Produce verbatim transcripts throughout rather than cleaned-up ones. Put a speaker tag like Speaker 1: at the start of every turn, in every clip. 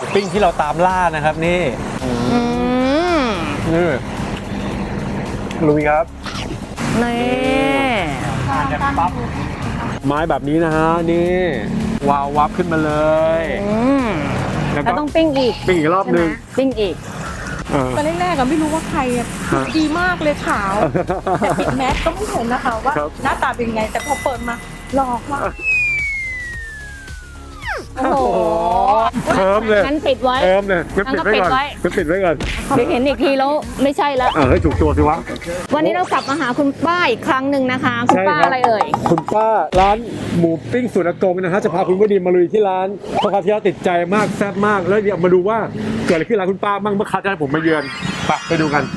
Speaker 1: ปิ้งที่เราตามล่านะครับนี่นี่ลุยครับ
Speaker 2: นี่
Speaker 1: ปั๊บไม้แบบนี้นะฮะนี่วาววับขึ้นมาเลย
Speaker 2: แล้วก็ต้องปิ้งอีก
Speaker 1: ปิ้งอีกรอบนึง
Speaker 2: ปิ้งอีก
Speaker 3: ตอนแรกๆก็ไม่รู้ว่าใครดีมากเลยขาวแต่ปิดแมสก็ไม่เห็นนะคะว่าหน้าตาเป็นไงแต่พอเปิดมาหลอกมาก
Speaker 2: โอ้โห
Speaker 1: เพิ่มเลย
Speaker 2: งั้นปิดไว้
Speaker 1: เพิ่มเลยงั้นปิดไว้ก่อนงั้นปิดไว้ก่อน
Speaker 2: เดี๋ยวเห็นอีกทีแล้วไม่ใช่แล้ว
Speaker 1: เออให้ถูกตัวสิวะ
Speaker 2: วันนี้เรากลับมาหาคุณป้าอีกครั้งหนึ่งนะคะคุณป้าอะไรเอ่ย
Speaker 1: คุณป้าร้านหมูปิ้งสูตรอากงนะฮะจะพาคุณวดีมาลุยที่ร้านเพราะคราวที่แล้วติดใจมากแซ่บมากแล้วเดี๋ยวมาดูว่าเกิดอะไรขึ้นร้านคุณป้าบ้างเมื่อคราวที่แล้วผมมาเยือนไปไปดูกัน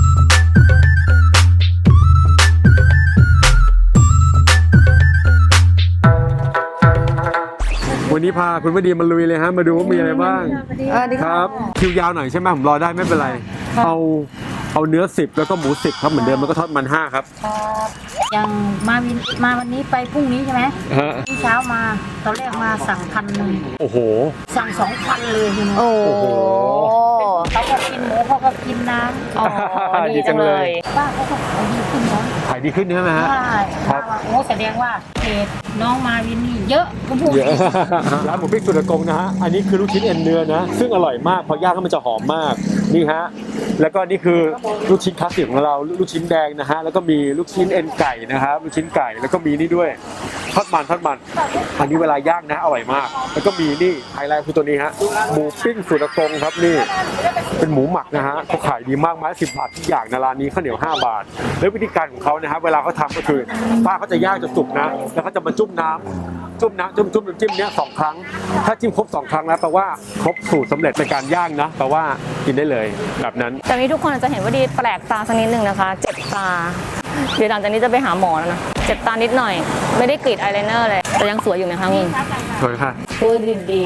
Speaker 1: วันนี้พาคุณวดีมาลุยเลยฮะมาดูว่ามีอะไรบ้างครับคิวยาวหน่อยใช่ไหมผมรอได้ไม่เป็นไรเอาเอาเนื้อสิบแล้วก็หมูสิบครับเหมือนเดิมแล้วก็ทอดมันห้าครับ
Speaker 4: ยังมาวินมาวันนี้ไปพรุ่งนี้ใช่ไหมที่เช้ามาตอนแรกมาสั่งพันหนึ่ง
Speaker 1: โอ้โห
Speaker 4: สั่งสองพันเลยทีนี้
Speaker 2: โอ้โห
Speaker 4: เขาก็กินหมูเขาก็กินน้ำ
Speaker 2: อ๋อดีจังเลย
Speaker 4: ป้าเขาก็ขายดีขึ้นเนาะ
Speaker 1: ขายดีขึ้นใช่ไหมฮะ
Speaker 4: ใช่ครับโอ้แสดงว่าเพจน้องมาวินนี่เยอะก็พูด
Speaker 1: เยอะร้านหมูปิ้งสูตรอากงนะฮะอันนี้คือลูกชิ้นเอ็นเนื้อนะซึ่งอร่อยมากพอย่างแล้วมันจะหอมมากนี่ฮะแล้วก็นี่คือลูกชิ้นคลาสสิกของเราลูกชิ้นแดงนะฮะแล้วก็มีลูกชิ้นเอ็นไก่นะครับลูกชิ้นไก่แล้วก็มีนี่ด้วยทอดมันทอดมันอันนี้เวลาย่างนะอร่อยมากแล้วก็มีนี่ไฮไลท์คือตัวนี้ฮะหมูปิ้งสูตรอากงครับนี่เป็นหมูหมักนะฮะเขาขายดีมากไม้สิบบาททุกอย่างในร้านนี้ข้าวเหนียวห้าบาทแล้ววิธีการของเขานะครับเวลาเขาทำก็คือป้าเขาจะย่างจนสุกนะแล้วเขาจะมาจุ่มน้ำจุ่มน้ำจุ่มจุ่มน้ำจิ้มเนี้ยสองครั้งถ้าจิ้มครบสองครั้งแล้วแปลว่าครบสูตรสำเร็จในการย่างนะแปลว่ากินได้เลยแบบนั้น
Speaker 2: แต่นี้ทุกคนอาจจะเห็นว่าดีแปลกตาสักนิดนึงนะคะเจ็บตาเดี๋ยวหลังจากนี้จะไปหาหมอแล้วนะเจ็บตานิดหน่อยไม่ได้กรีดอายไลเนอร์เลยแต่ยังสวยอยู่ไหมคะมึง
Speaker 1: สวยค่ะ
Speaker 2: พูดดี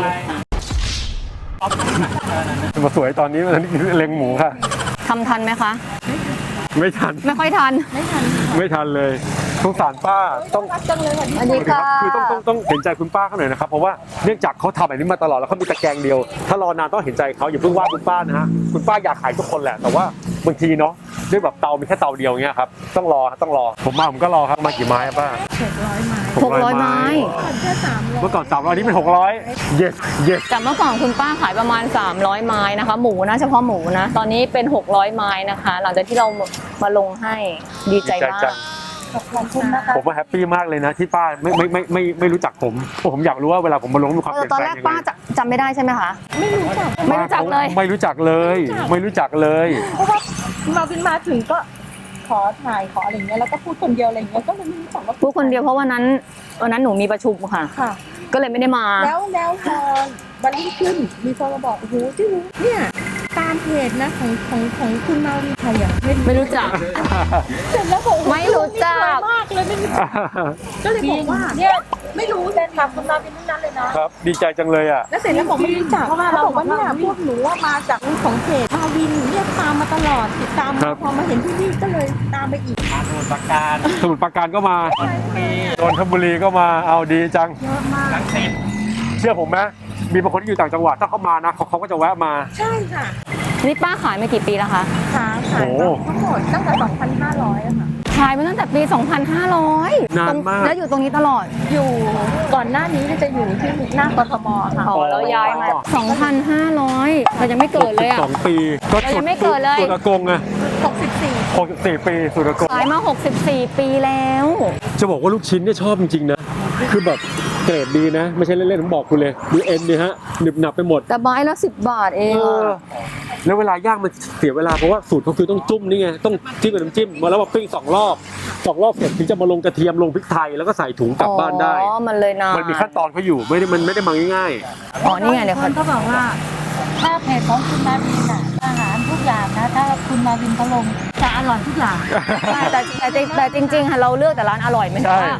Speaker 1: มาสวยตอนนี้มันเล็งหมูค่ะ
Speaker 2: ทำทันไหมคะ
Speaker 1: ไม่ทัน
Speaker 2: ไม่ค่อยทัน
Speaker 3: ไม่ทัน
Speaker 1: ไม่ทันเลยสงสารป้าต้อง
Speaker 2: อันนี้ค่ะ
Speaker 1: คือต้องต้องต้องเห็นใจคุณป้าเขาหน่อยนะครับเพราะว่าเนื่องจากเขาทำแบบนี้มาตลอดแล้วเขามีตะแกรงเดียวถ้ารอนานต้องเห็นใจเขาอย่าเพิ่งว่าคุณป้านะฮะคุณป้าอยากขายทุกคนแหละแต่ว่าบางทีเนาะด้วยแบบเตามีแค่เตาเดียวเงี้ยครับต้องรอต้องรอผมมาผมก็รอครับมากี่ไม้ป้า
Speaker 2: หกร้อยไม้
Speaker 1: เมื่อก่อนสามร้อยนี้เป็นหกร้อยเยสเยส
Speaker 2: แต่เมื่อก่อนคุณป้าขายประมาณสามร้อยไม้นะคะหมูนะเฉพาะหมูนะตอนนี้เป็นหกร้อยไม้นะคะหลังจากที่เรามาลงให้ดีใจมาก
Speaker 1: ผมว่าแฮปปี้มากเลยนะที่ป้าไม่ไม่ไม่ไม่ไม่รู้จักผมผมอยากรู้ว่าเวลาผมมาลงมีความเปลี่ยนแปลงยังไงตอนแรก
Speaker 2: ป้าจำไม่ได้ใช่ไหมคะ
Speaker 3: ไม่รู้จัก
Speaker 2: ไม่รู้จักเลย
Speaker 1: ไม่รู้จักเลยไม่รู้จักเลย
Speaker 3: เพราะว่ามาวินมาถึงก็ขอถ่ายขออะไรเงี้ยแล้วก็พูดคนเดียวอะไรเงี้ยก็เลยไม่รู้จักว่า
Speaker 2: พูดคนเดียวเพราะวันนั้นวันนั้นหนูมีประชุมค่ะก็เลยไม่ได้มา
Speaker 3: แล้วแล้วพอวันรุ่งขึ้นมีคนมาบอกโอ้โหที่รู้เนี่ยตามเพจนะของของของคุณมาวินใครอ่ะ
Speaker 2: ไม่รู้จัก
Speaker 3: เสร็จแล้วบอก
Speaker 2: ไม่รู้จัก
Speaker 3: มากเลยไม่รู้จักก็เลยบอกว่าเนี่ยไม่รู้เลยค่ะคุณมาวินนั้นเลยนะครับ
Speaker 1: ดีใจจังเลยอ่ะ
Speaker 3: แล้วเสร็จแล้วบอกไม่รู้จักเพราะว่าเราบอกว่าเนี่ยพวกหนูว่ามาจากของเพจมาวินเนี่ยตามมาตลอดติดตามพอมาเห็นที่นี่ก็เลยตามไปอีก
Speaker 1: สมุทรปราการสมุทรปราการก็มานนทบุรีก็มาเอาดีจัง
Speaker 3: เยอะมาก
Speaker 1: เชื่อผมไหมมีบางคนที่อยู่ต่างจังหวัดถ้าเขามานะเขาเขาก็จะแวะมา
Speaker 3: ใช่ค่ะ
Speaker 2: นี่ป้าขายมากี่ปีแล้วคะ
Speaker 3: ขายขายทั้งหมดตั้งแต่สองพันห้าร้อยอะค่ะ
Speaker 2: ขายมาตั้งแต่ปีสองพันห้าร้อย
Speaker 1: นานมาก
Speaker 2: แล้วอยู่ตรงนี้ตลอด
Speaker 3: อยู่ก่อนหน้านี้จะอยู่ที่หน้ากทมค่ะ
Speaker 2: อ๋อแล้วย้ายมาสองพันห้าร้อยเรายังไม่เกิดเลยอะ
Speaker 1: สองปี
Speaker 2: ก็ยังไม่เกิดเลย
Speaker 1: สูตรอากงอะ
Speaker 3: หกสิบสี่
Speaker 1: หกสิบสี่ปีสูตรอากง
Speaker 2: ขายมาหกสิบสี่ปีแล้ว
Speaker 1: จะบอกว่าลูกชิ้นเนี่ยชอบจริงๆนะคือแบบเกรดดีนะไม่ใช่เล่นๆผมบอกคุณเลยดูเอ็นเนี่ยฮะหนึบหนับไปหมด
Speaker 2: แต่ไม้ละสิบบาทเอง
Speaker 1: แล้วเวลาย่างมันเสียเวลาเพราะว่าสูตรเขาคือต้องจุ่มนี่ไงต้องจิ้มกับน้ำจิ้มมาแล้วมาปิ้งสองรอบสองรอบเสร็จถึงจะมาลงกระเทียมลงพริกไทยแล้วก็ใส่ถุงกลับบ้านได้
Speaker 2: อ๋อมันเลยนาน
Speaker 1: มันมีขั้นตอนเขาอยู่ไม่ได้มันไม่ได้มาง่าย
Speaker 2: ๆอ๋อนี่ไงเดี๋ยว
Speaker 4: เขาบอกว่าถ้าเพจของคุณมาวินอ่ะอาหารทุกอย่างนะถ้าคุณมาวินเขาลงจะอร่อยทุกอย่าง
Speaker 2: แต่แต่แต่จริงๆค่ะเราเลือกแต่ร้านอร่อยไหมคะ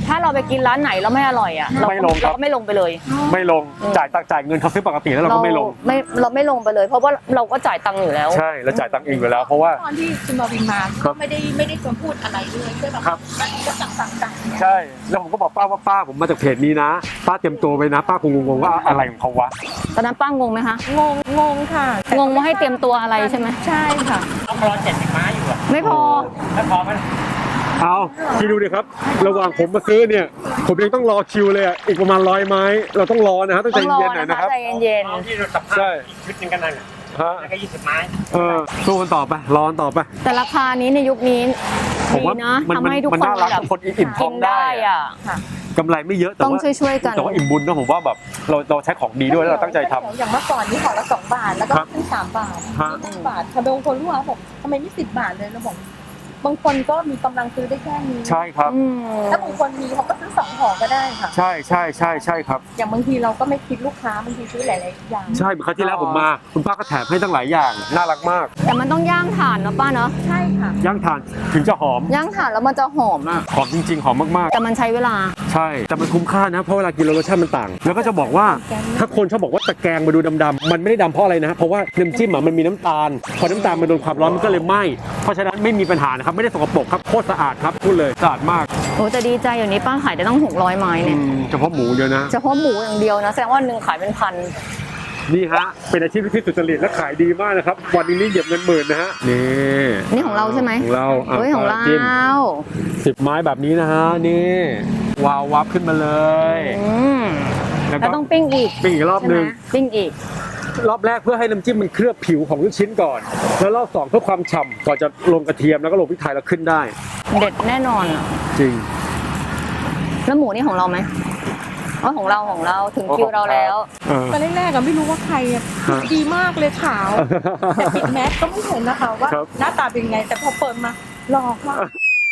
Speaker 2: ถ้าเราไปกินร้านไหนแล้วไม่อร่อยอ่ะเรา
Speaker 1: ไม่ลงครับ
Speaker 2: เราก็ไม่ลงไปเลย
Speaker 1: ไม่ลงจ่ายตังจ่ายเงินเขาซื้อปกติแล้วเราก็ไม่ลง
Speaker 2: ไม่เราไม่ลงไปเลย เพราะว่าเราก็จ่ายตังค์อยู่แล้ว
Speaker 1: ใช่แล้วจ่ายตังค์เองอยู่แล้ว เพราะว่า
Speaker 3: ตอนที่คุณมาวินมา
Speaker 1: ครั
Speaker 3: ก็
Speaker 1: บ
Speaker 3: ไม่ได้ไม่ได้ชวนพูดอะไรเลยแค่แบบ
Speaker 1: ครับ
Speaker 3: ก็สั่งสั่งสั่ง
Speaker 1: ใช่แล้วผมก็บอกป้าว่าป้าผมมาจากเพจนี้นะป้าเตรียมตัวไปนะป้าคงงงๆว่าอะไรของเขาวะ
Speaker 2: ตอนนั้นป้างงไหมคะ
Speaker 3: งงงงค่ะแต่
Speaker 2: งงว่าให้เตรียมตัวอะไรใช่ไหม
Speaker 3: ใช่ค่ะ
Speaker 5: ต้องรอเจ็ดสิบไม้อยู่อะ
Speaker 2: ไม่พอ
Speaker 5: แล้วพอไหม
Speaker 1: เอาคิดดูดิครับ ระหว่างผมมาซื้อเนี่ย ผมยังต้องรอคิวเลยอ่ะอีกประมาณร้อยไม้ เราต้องรอนะฮะต้องใจ
Speaker 2: ต้องรอ
Speaker 1: เย็นๆหน่อย
Speaker 2: นะ
Speaker 1: นะคะ ครับ
Speaker 2: ใจเย็น
Speaker 5: เอาที่เราสัมภาษ
Speaker 1: ใช่
Speaker 5: ณ์ชุดหนึงกันนั่นน่ะ
Speaker 1: ฮะ
Speaker 5: แล้วก็ยี่สิบไม้
Speaker 1: เออสู้กันต่อไปรอกันต่อไป
Speaker 2: ๆแต่ราคานี้ในยุคนี้
Speaker 1: ผม
Speaker 2: ดี
Speaker 1: ว่า
Speaker 2: นะ
Speaker 1: มัน
Speaker 2: ทำให้ทุก
Speaker 1: มัน
Speaker 2: คน
Speaker 1: น่ารัก
Speaker 2: แบบ
Speaker 1: ทุกคนอิ่มท้
Speaker 2: กิ
Speaker 1: อง
Speaker 2: น
Speaker 1: ได้
Speaker 2: ได้
Speaker 1: อะ
Speaker 2: อ่ะ
Speaker 1: กำไรไม่เยอะแต่
Speaker 2: ต้อง
Speaker 1: ว่า
Speaker 2: ช่วยๆกัน
Speaker 1: แต่ว่าอิ่มบุญนะผมว่าแบบเราเราใช้ของดีด้วยแล้วเราตั้งใจทำ
Speaker 3: อย่างเมื่อก่อนนี่ห่อละสองบาทแล้วก็
Speaker 1: ครับ
Speaker 3: ขึ้นสามบาท
Speaker 1: ฮะ
Speaker 3: สิบบาทพอบางคนรู้ว่าบอกทำไมไม่สิบบาทเลยเราบอกบางคนก็มีกำลังซื้อได้แค่นี้
Speaker 1: ใช่ครับ
Speaker 2: อืม
Speaker 3: ถ้าบางคนมีเขาก็ซื้อสองห่อก็ได้ค่ะ
Speaker 1: ใช่ใช่ใช่ใช่ครับ
Speaker 3: อย่างบางทีเราก็ไม่คิดลูกค้าบางทีซื้อหลายๆอย่าง
Speaker 1: ใช่เหมือนครั้งที่แล้วผมมา คุณป้าก็แถมให้ตั้งหลายอย่างน่ารักมาก
Speaker 2: แต่มันต้องย่างถ่านเนาะป้าเนาะ
Speaker 3: ใช่ค่ะ
Speaker 1: ย่างถ่านถึงจะหอม
Speaker 2: ย่างถ่านแล้วมันจะหอมอ่ะ
Speaker 1: หอมจริง ๆ หอมมาก
Speaker 2: แต่มันใช้เวลา
Speaker 1: ๆ ใช่ แต่มันคุ้มค่านะ เพราะเวลากินแล้วรสชาติมันต่าง แล้วก็จะบอกว่าถ้าคนชอบบอกว่าตะแกรงมาดูดำๆมันไม่ได้ดำเพราะอะไรนะเพราะว่าน้ำจิ้มอ่ะมันมีน้ำตาล พอน้ำตาลมันโดนความร้อนมันก็เลยไหม้เพราะฉะนั้นไม่มีปัญหานะครับไม่ได้สกปรกครับโคตรสะอาดครับพูดเลยสะอาดมาก
Speaker 2: โอ้แต่ดีใจอยู่นี้ป้าขายได้ตั้งหกร้อยไม้
Speaker 1: อื
Speaker 2: เนี่ย
Speaker 1: มเฉพาะหมูเดียวนะ
Speaker 2: เฉพาะหมูอย่างเดียวนะแสดงว่าหนึ่งขายเป็นพัน
Speaker 1: นี่ฮะเป็นอาชีพที่สุจริตและขายดีมากนะครับวันนี้นี่เหยียบเงินหมื่นนะฮะนี่
Speaker 2: นี่ของเราใช่ไหม
Speaker 1: ของเราะ
Speaker 2: เฮ้ยของเรา
Speaker 1: จิ้มสิบไม้แบบนี้นะฮะนี่วาววับขึ้นมาเลย
Speaker 2: อืม
Speaker 1: แล้ว
Speaker 2: แล้ว
Speaker 1: ก็
Speaker 2: ต้องปิ้งอีก
Speaker 1: ปิ้งอีกรอบ
Speaker 2: ใช่
Speaker 1: ห
Speaker 2: ไหม
Speaker 1: นึง
Speaker 2: ปิ้งอีก
Speaker 1: รอบแรกเพื่อให้น้ำจิ้มมันเคลือบผิวของลูกชิ้นก่อน แล้วรอบสองเพื่อความฉ่ำก่อนจะลงกระเทียมแล้วก็ลงพริกไทยแล้วขึ้นได้
Speaker 2: เด็ดแน่นอนอะ
Speaker 1: จริง
Speaker 2: แล้วหมูนี่ของเราไหมอ๋อของเราของเราถึงคิวเราแล้ว
Speaker 1: เออ
Speaker 3: ตอนแรกๆอะไม่รู้ว่าใครอะ
Speaker 1: ฮะ
Speaker 3: ดีมากเลยขาว แต่ปิดแมสก็ไม่เห็นนะคะว่า
Speaker 1: ครับ
Speaker 3: หน้าตาเป็นไง แต่พอเปิดมาหลอกมาก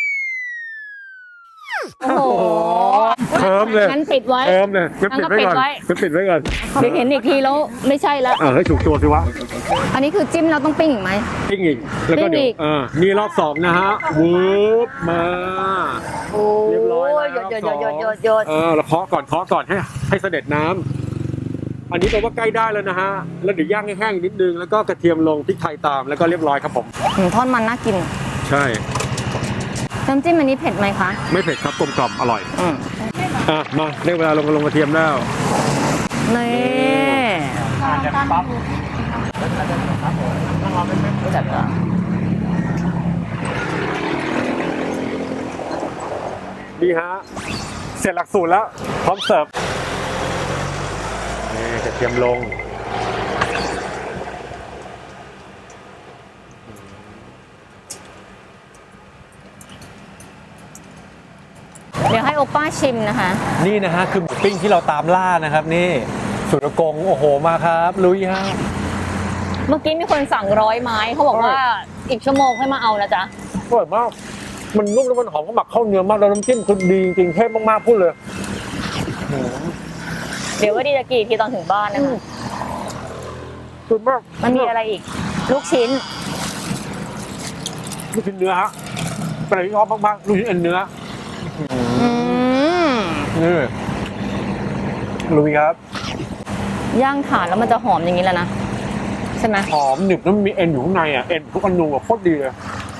Speaker 2: โอ้โห
Speaker 1: เพิ่มเลย
Speaker 2: งั้นปิดไว้
Speaker 1: เพิ่มเลยงั้นปิดไว้ก่อน
Speaker 2: งั้นก็ปิดไว้
Speaker 1: งั้นปิดไว้ก่อน
Speaker 2: เดี๋ยวเห็นอีกทีแล้วไม่ใช่ละ
Speaker 1: เออให้ถูกตัวสิวะ
Speaker 2: อันนี้คือจิ้มเราต้องปิ้งอีกไหม
Speaker 1: ปิ้งอีกแล้วก็
Speaker 2: ปิ้ง
Speaker 1: เดี๋ย
Speaker 2: อี
Speaker 1: ว
Speaker 2: ก
Speaker 1: เออนี่รอบสองนะฮะวืบมา
Speaker 2: โอ้
Speaker 1: เรียบร้อย
Speaker 2: ย
Speaker 1: แล้ว
Speaker 2: หยดหยด
Speaker 1: รอบ
Speaker 2: หย
Speaker 1: สอ
Speaker 2: ด
Speaker 1: ง
Speaker 2: หยดหยด
Speaker 1: เออเราเคาะก่อนเคาะก่อนให้ให้เสด็จน้ำอันนี้แปลว่าใกล้ได้แล้วนะฮะแล้วเดี๋ยวย่างให้แห้งนิดนึงแล้วก็กระเทียมลงพริกไทยตามแล้วก็เรียบร้อยครับผม
Speaker 2: อืมทอดมันน่ากิน
Speaker 1: ใช่
Speaker 2: น้ำจิ้มอันนี้เผ็ดไหมคะ
Speaker 1: ไม่เผ็ดครับกลมกล่อมอร่อย
Speaker 2: อืม
Speaker 1: อ่ะมาได้เวลาลงลงกระเทียมแล้ว
Speaker 2: นี่
Speaker 5: จะปั๊บ
Speaker 2: จัดละ
Speaker 1: ดีฮะเสร็จหลักสูตรแล้วพร้อมเสิร์ฟนี่กระเทียมลง
Speaker 2: เดี๋ยวให้โอป้าชิมนะคะ
Speaker 1: นี่นะฮะคือหมูปิ้งที่เราตามล่านะครับนี่สุรกงโอ้โหมาครับลุยฮะ
Speaker 2: เมื่อกี้มีคนสั่งร้อยไม้เขาบอกว่าอีกชั่วโมงให้มาเอานะจ๊ะ
Speaker 1: อร่อยมากมันนุ่มแล้วมันหอมเขาหมักเข้าเนื้อมากแล้วน้ำจิ้มคือดีจริงๆเทพมากๆพูดเลย
Speaker 2: เดี๋ยวว่าดีจะกี่ทีตอนถึงบ้านนะคะ
Speaker 1: สุดมาก
Speaker 2: มันมีอะไรอีก ลูกชิ้น
Speaker 1: ลูกชิ้นเนื้อฮะเป็นอะไรที่ชอบมากๆลูกชิ้นเอ็นเนื้อ
Speaker 2: อืม
Speaker 1: นี่ลุยครับ
Speaker 2: ย่างถ่านแล้วมันจะหอมอย่างนี้แล้วนะ ใช่ไหม
Speaker 1: หอมหนึบแล้วมันมีเอ็นอยู่ข้างในอ่ะเอ็นทุกอนูอ่ะโคตรดีเลย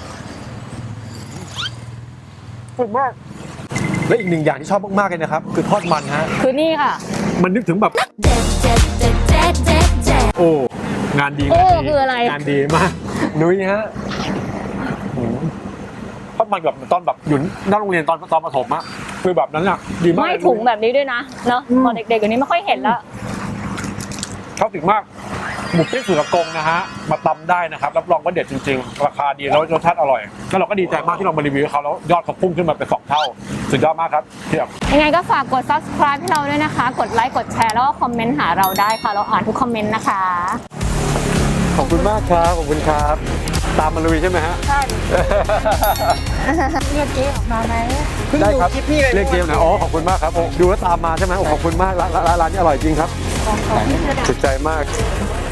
Speaker 1: สุดมากและอีกหนึ่งอย่างที่ชอบมากๆเลยนะครับคือทอดมันฮะ
Speaker 2: คือนี่ค่ะ
Speaker 1: มันนึกถึงแบบโอ้งานดี
Speaker 2: โอ้
Speaker 1: งานดี
Speaker 2: คืออะไร
Speaker 1: งานดีมากนุ้ยฮะหืมทอดมันแบบตอนแบบอยู่หน้าโรงเรียนตอนตอนประถมอะคือแบบนั้นอะดีมาก
Speaker 2: ไม่ถุงแบบนี้ด้วยนะเนาะตอนเด็กๆอย่างนี้ไม่ค่อยเห็นแล้ว
Speaker 1: ชอบถึงมากหมูปิ้งสุรกงนะฮะมาตำได้นะครับรับรองว่าเด็ดจริงๆราคาดีแล้วรสชาติอร่อยแล้วเราก็ดีใจมากที่เรามารีวิวให้เขาแล้วยอดเขาพุ่งขึ้นมาเป็นสองเท่าสุดยอดมากครับเทียบ
Speaker 2: ยังไงก็ฝากกด ซับสไครบ์ ให้เราด้วยนะคะ กดไลค์ กดแชร์ แล้วก็คอมเมนต์หาเราได้ค่ะ เราอ่านทุกคอมเมนต์นะคะ
Speaker 1: ขอบคุณมากครับขอบคุณครับ ตามมาลุยใช่ไหมฮะ
Speaker 3: ใช่เรียกเจ๊ออกมาไหม
Speaker 1: ได้ครับเรียกเกมนะอ๋อขอบคุณมากครับดูแล้วตามมาใช่ไหมโอ้ขอบคุณมากร้านร้านร้านนี้อร่อยจริงครับ
Speaker 3: ของของที่เธอ
Speaker 1: สุดใจมาก
Speaker 3: ไ